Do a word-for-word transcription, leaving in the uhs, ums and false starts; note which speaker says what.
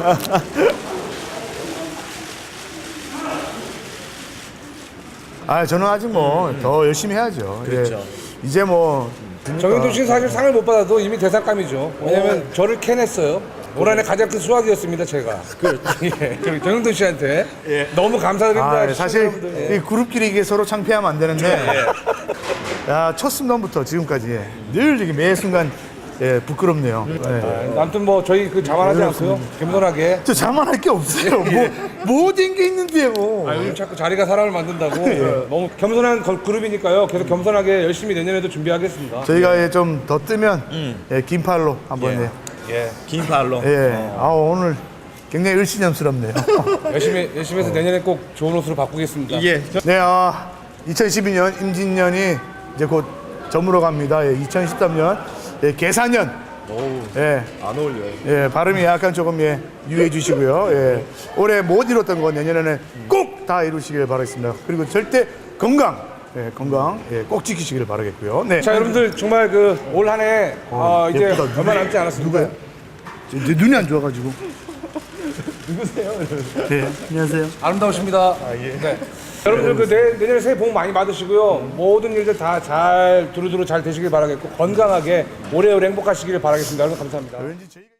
Speaker 1: 아, 저는 아직 뭐 더 열심히 해야죠.
Speaker 2: 그렇죠.
Speaker 1: 예. 이제 뭐
Speaker 3: 정현돈 씨는 사실 상을 못 받아도 이미 대상감이죠. 왜냐면 저를 캐냈어요. 올 한해 가장 큰 수확이었습니다, 제가. 예, 저기 정현돈 씨한테 너무 감사드립니다.
Speaker 1: 아, 사실
Speaker 3: 시청자분들. 예.
Speaker 1: 이 그룹끼리 이게 서로 창피하면 안 되는데 야, 첫 순간부터 지금까지 예, 늘 이게 매 순간 예, 부끄럽네요. 예.
Speaker 3: 아무튼 뭐 저희 그 자만하지 않고요. 겸손하게.
Speaker 1: 저 자만할 게 없어요. 뭐 모든 게 있는데요.
Speaker 3: 아, 요즘 자꾸 자리가 사람을 만든다고. 예. 너무 겸손한 걸- 그룹이니까요. 계속 겸손하게 열심히 내년에도 준비하겠습니다.
Speaker 1: 저희가 좀 더 뜨면 예, 긴 팔로 한번 예.
Speaker 3: 예.
Speaker 2: 긴 팔로.
Speaker 1: 예. 아, 오늘 굉장히 을씨년스럽네요.
Speaker 3: 열심히 열심히 해서 내년에 꼭 좋은 옷으로 바꾸겠습니다.
Speaker 2: 예.
Speaker 1: 네, 아, 이천십이 년 임진년이 이제 곧 저물어 갑니다. 예, 이천십삼 년 예, 계사년. 예,
Speaker 2: 안 어울려요.
Speaker 1: 예, 발음이 약간 조금 예, 유의해 주시고요. 예, 올해 못 이뤘던 건 내년에는 꼭 다 이루시길 바라겠습니다. 그리고 절대 건강, 예, 건강 예, 꼭 지키시길 바라겠고요. 네.
Speaker 3: 자, 여러분들 정말 그 올 한해 어, 이제
Speaker 1: 예쁘다.
Speaker 3: 얼마 남지 않았습니다.
Speaker 1: 누구야? 제, 제 눈이 안 좋아가지고. 누구세요? 네, 안녕하세요.
Speaker 3: 아름다우십니다. 네. 여러분들 그 내, 내년에 새해 복 많이 받으시고요. 모든 일들 다 잘 두루두루 잘 되시길 바라겠고 건강하게 오래오래 행복하시길 바라겠습니다. 여러분 감사합니다.
Speaker 1: 왠지 저희가